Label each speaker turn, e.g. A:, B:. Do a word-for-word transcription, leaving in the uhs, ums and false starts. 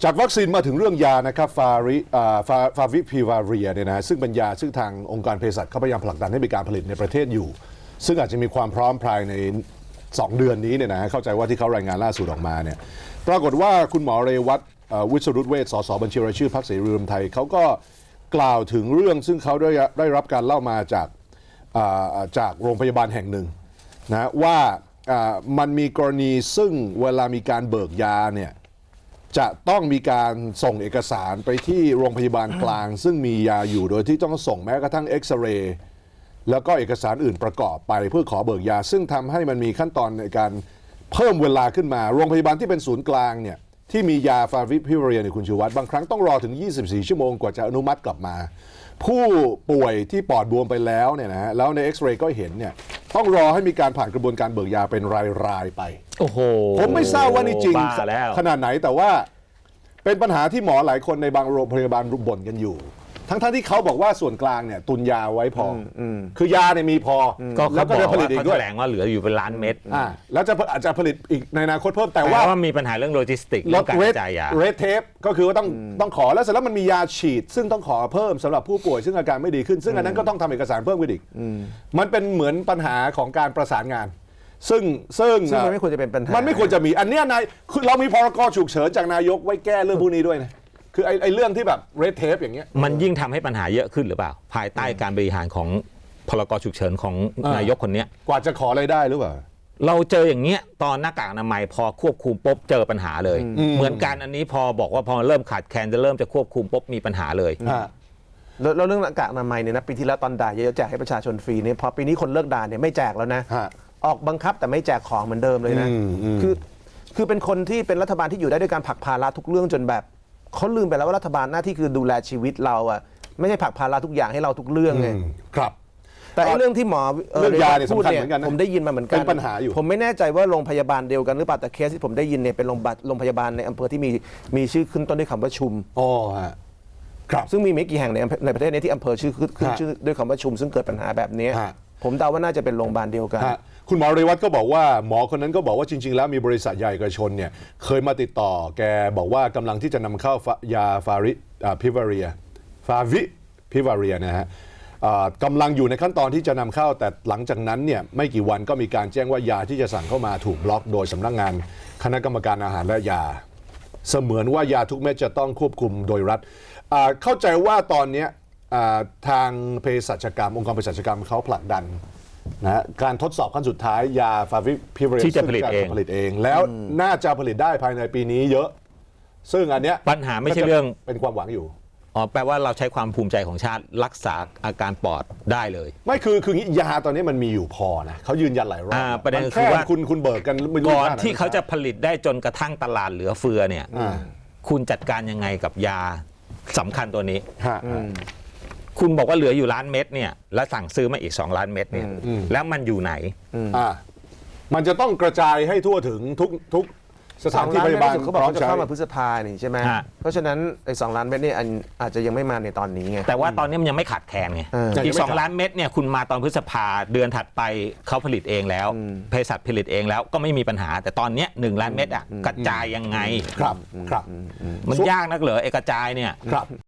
A: จากวัคซีนมาถึงเรื่องยานะครับฟาริฟาฟาวิพิวาเรียเนี่ยนะซึ่งเป็นยาซึ่งทางองค์การเภสัชเขาพยายามผลักดันให้มีการผลิตในประเทศอยู่ซึ่งอาจจะมีความพร้อมภายในสองเดือนนี้เนี่ยนะเข้าใจว่าที่เขารายงานล่าสุดออกมาเนี่ยปรากฏว่าคุณหมอเรวัตวิศรุตเวชสสบัญชีรายชื่อพรรคเสรีรวมไทยเขาก็กล่าวถึงเรื่องซึ่งเขาได้ได้รับการเล่ามาจากจากโรงพยาบาลแห่งหนึ่งนะว่ามันมีกรณีซึ่งเวลามีการเบิกยาเนี่ยจะต้องมีการส่งเอกสารไปที่โรงพยาบาลกลางซึ่งมียาอยู่โดยที่ต้องส่งแม้กระทั่งเอ็กซเรย์แล้วก็เอกสารอื่นประกอบไปเพื่อขอเบิกยาซึ่งทำให้มันมีขั้นตอนในการเพิ่มเวลาขึ้นมาโรงพยาบาลที่เป็นศูนย์กลางเนี่ยที่มียาฟาวิพิวาเรียในคุณชูวัฒน์บางครั้งต้องรอถึงยี่สิบสี่ชั่วโมงกว่าจะอนุมัติกลับมาผู้ป่วยที่ปอดบวมไปแล้วเนี่ยนะแล้วในเอ็กซเรย์ก็เห็นเนี่ยต้องรอให้มีการผ่านกระบวนการเบิกยาเป็นรายๆไป
B: โอ้โห
A: ผมไม่ทราบว่านี่จริงขนาดไหนแต่ว่าเป็นปัญหาที่หมอหลายคนในบางโรงพยาบาลบ่นกันอยู่ทั้งๆ ท, ที่เขาบอกว่าส่วนกลางเนี่ยตุนยาไว้พอคือยาเนี่ยมีพอ
B: แล้วก็จะผลิตอีกด้วยแถลงว่าเหลืออยู่เป็นล้านเม็ด
A: อ่าแล้วจะอาจจะผลิตอีกในอนาคตเพิ่มแต่ว่า
B: มีปัญหาเรื่องโลจิสติก
A: ลดเรทเรทเทปก็คือว่าต้องต้องขอแล้วเสร็จแล้วมันมียาฉีดซึ่งต้องขอเพิ่มสำหรับผู้ป่วยซึ่งอาการไม่ดีขึ้นซึ่งอันนั้นก็ต้องทำเอกสารเพิ่มขึ้นอีกมันเป็นเหมือนปัญหาของการประสานงานซึ่งซึ่ง
C: มันไม่ควรจะเป็นปัญหา
A: มันไม่ควรจะมีอันนี้นายคือเรามีพรกฉุกเฉินจากนายกไว้แก้เรื่องพวกนี้ด้วยนะคือไอ้ไอ้เรื่องที่แบบเรดเทปอย่างเงี้ย
B: มันยิ่งทำให้ปัญหาเยอะขึ้นหรือเปล่าภายใต้การบริหารของพรกฉุกเฉินของนายกคนนี้
A: กว่าจะขออะไรได้หรือเปล่า
B: เราเจออย่างเงี้ยตอนหน้ากากอนามัยพอควบคุมปุ๊บเจอปัญหาเลยเหมือนกันอันนี้พอบอกว่าพอเริ่มขาดแคลนจะเริ่มจะควบคุมปุ๊บมีปัญหาเลย
C: แล้วเรื่องหน้ากากอนามัยเนี่ยนะปีที่แล้วตอนด่าเยอะๆแจกให้ประชาชนฟรีเนี่ยพอปีนี้คนเลิกด่าเนี่ยไม่แจกแล้วนะออกบังคับแต่ไม่แจกของเหมือนเดิมเลยนะคือคือเป็นคนที่เป็นรัฐบาลที่อยู่ได้ด้วยการผลักภาระทุกเรื่องจนแบบเขาลืมไปแล้วว่ารัฐบาลหน้าที่คือดูแลชีวิตเราอ่ะไม่ใช่ผลักภาระทุกอย่างให้เราทุกเรื่องไง
A: ครับ
C: แต่ไอ้เรื่องที่หมอ
A: เรื่องยาเนี่ยสำคัญเหมือนกันนะ
C: ผมได้ยินมาเหมือนกัน
A: เป็นปัญหาอยู่
C: ผมไม่แน่ใจว่าโรงพยาบาลเดียวกันหรือเปล่าแต่เคสที่ผมได้ยินเนี่ยเป็นโรงพยาบาลโรงพยาบาลในอำเภอที่มีมีชื่อขึ้นต้นด้วยคำว่าชุม
A: อ๋อฮะครับ
C: ซึ่งมีไม่กี่แห่งในในประเทศนี้ที่อำเภอชื่อขึ้นชื่อด้วยคำว่าชุมซึ่งเกิดปัญหาแบบนี้ผมเดาว่าน่าจะเป็นโรงพยาบาลเดียวกัน
A: คุณหมอเรวัตก็บอกว่าหมอคนนั้นก็บอกว่าจริงๆแล้วมีบริษัทใหญ่เอกชนเนี่ยเคยมาติดต่อแกบอกว่ากำลังที่จะนำเข้ายาฟาริพิวาเรียฟาวิพิวาเรียนะฮะกำลังอยู่ในขั้นตอนที่จะนำเข้าแต่หลังจากนั้นเนี่ยไม่กี่วันก็มีการแจ้งว่ายาที่จะสั่งเข้ามาถูกบล็อกโดยสำนักงานคณะกรรมการอาหารและยาเสมือนว่ายาทุกเม็ดจะต้องควบคุมโดยรัฐเข้าใจว่าตอนนี้ทางเภสัชกรรมองค์กรเภสัชกรรมเขาผลักดันนะการทดสอบขั้นสุดท้ายยาฟาวิพิวาเรีย
B: ที่จะผลิตเอง
A: ผลิตเองแล้วน่าจะผลิตได้ภายในปีนี้เยอะซึ่งอันเนี้ย
B: ปัญหาไม่ใช่เรื่อง
A: เป็นความหวังอยู่
B: อ๋อแปลว่าเราใช้ความภูมิใจของชาติรักษาอาการปอดได้เลย
A: ไม่คือคือยาตอนนี้มันมีอยู่พอนะเขายืนยันหลายรอบ
B: ประเด็นคือว่า
A: คุณคุณเบิกกัน
B: ก่อนที่เขาจะผลิตได้จนกระทั่งตลาดเหลือเฟือเนี่ยคุณจัดการยังไงกับยาสำคัญตัวนี้คุณบอกว่าเหลืออยู่ล้านเม็ดเนี่ยแล้วสั่งซื้อมาอีกสองล้านเม็ดเนี่ยแล้วมันอยู่ไหน
A: อ่ามันจะต้องกระจายให้ทั่วถึงทุกทุกสถานที่พยาบาล
C: เขาบอกว่าจะเข้ามาพฤษภานี่ใช่ไหมเพราะฉะนั้นไอ้สองล้านเม็ดนี่อาจจะยังไม่มาในตอนนี้ไง
B: แต่ว่าตอนนี้มันยังไม่ขาดแคลนไงอีกสองล้านเม็ดเนี่ยคุณมาตอนพฤษภาเดือนถัดไปเขาผลิตเองแล้วเภสัชผลิตเองแล้วก็ไม่มีปัญหาแต่ตอนนี้หนึ่งล้านเม็ดอ่ะกระจายยังไง
A: ครับครับ
B: มันยากนักเหรอเอกระจายเนี่ย
A: ครับ